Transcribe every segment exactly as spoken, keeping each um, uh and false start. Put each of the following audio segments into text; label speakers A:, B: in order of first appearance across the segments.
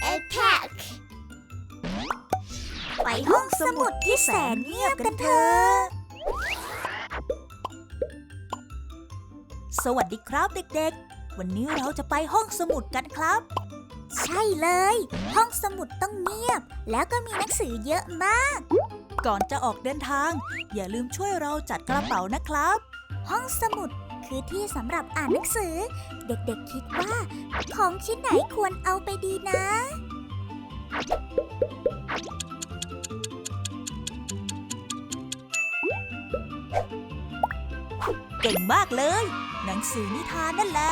A: Attack ไปห้องสมุดที่แสนเงียบกันเถอะสวัสดีครับเด็กๆวันนี้เราจะไปห้องสมุดกันครับใช่เลยห้องสมุดต้องเงียบแล้วก็มีหนังสือเยอะมากก่อนจะออกเดินทางอย่าลืมช่วยเราจัดกระเป๋านะครับห้องสมุดคือที่สำหรับอ่านหนังสือเด็กๆคิดว่าของชิ้นไหนควรเอาไปดีนะเก่งมากเลยหนังสือนิทานนั่นแหละ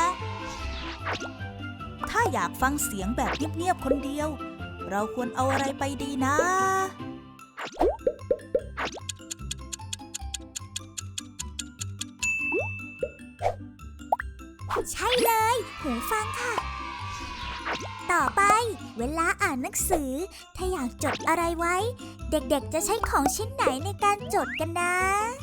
A: ถ้าอยากฟังเสียงแบบเงียบๆคนเดียวเราควรเอาอะไรไปดีนะใช่เลยหูฟังค่ะต่อไปเวลาอ่านหนังสือถ้าอยากจดอะไรไว้เด็กๆจะใช้ของชิ้นไหนในการจดกันนะ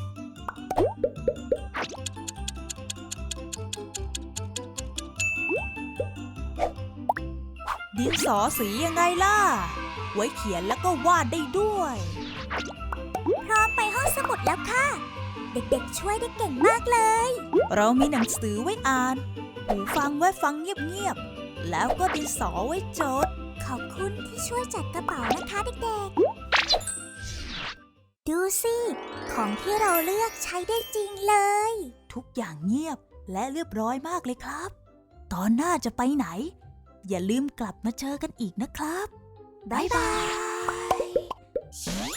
A: ดินสอสียังไงล่ะไว้เขียนแล้วก็วาดได้ด้วยพร้อมไปห้องสมุดแล้วค่ะเด็กๆช่วยได้เก่งมากเลยเรามีหนังสือไว้อ่านหูฟังไว้ฟังเงียบๆแล้วก็ดินสอไว้จดขอบคุณที่ช่วยจัดกระเป๋านะคะเด็กๆดูสิของที่เราเลือกใช้ได้จริงเลยทุกอย่างเงียบและเรียบร้อยมากเลยครับตอนหน้าจะไปไหนอย่าลืมกลับมาเจอกันอีกนะครับบ๊ายบาย